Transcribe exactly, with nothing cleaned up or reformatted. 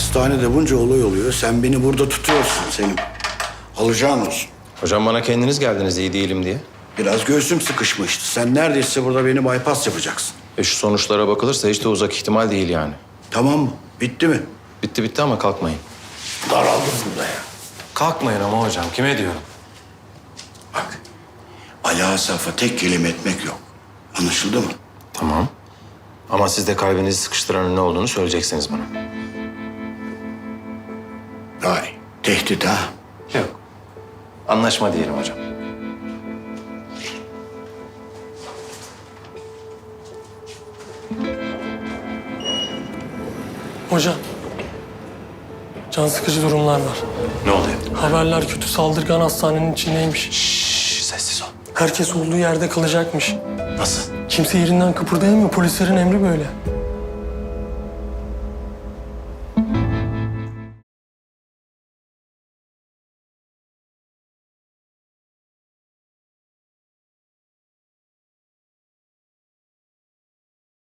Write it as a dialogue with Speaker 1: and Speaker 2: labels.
Speaker 1: Hastanede bunca olay oluyor. Sen beni burada tutuyorsun Selim. Alacağın olsun.
Speaker 2: Hocam bana kendiniz geldiniz iyi değilim diye.
Speaker 1: Biraz göğsüm sıkışmıştı. Sen neredeyse burada beni bypass yapacaksın.
Speaker 2: E şu sonuçlara bakılırsa hiç de uzak ihtimal değil yani.
Speaker 1: Tamam mı? Bitti mi?
Speaker 2: Bitti bitti ama kalkmayın.
Speaker 1: Daraldım burada ya.
Speaker 2: Kalkmayın ama hocam kime diyorum?
Speaker 1: Bak, Ali Asaf'a tek kelime etmek yok. Anlaşıldı mı?
Speaker 2: Tamam. Ama siz de kalbinizi sıkıştıranın ne olduğunu söyleyeceksiniz bana.
Speaker 1: Vay, tehdit ha?
Speaker 2: Yok. Anlaşma diyelim hocam.
Speaker 3: Hocam, can sıkıcı durumlar var.
Speaker 2: Ne oluyor?
Speaker 3: Haberler kötü, saldırgan hastanenin içindeymiş.
Speaker 2: Şşş sessiz ol.
Speaker 3: Herkes olduğu yerde kalacakmış.
Speaker 2: Nasıl?
Speaker 3: Kimse yerinden kıpırdayamıyor, polislerin emri böyle.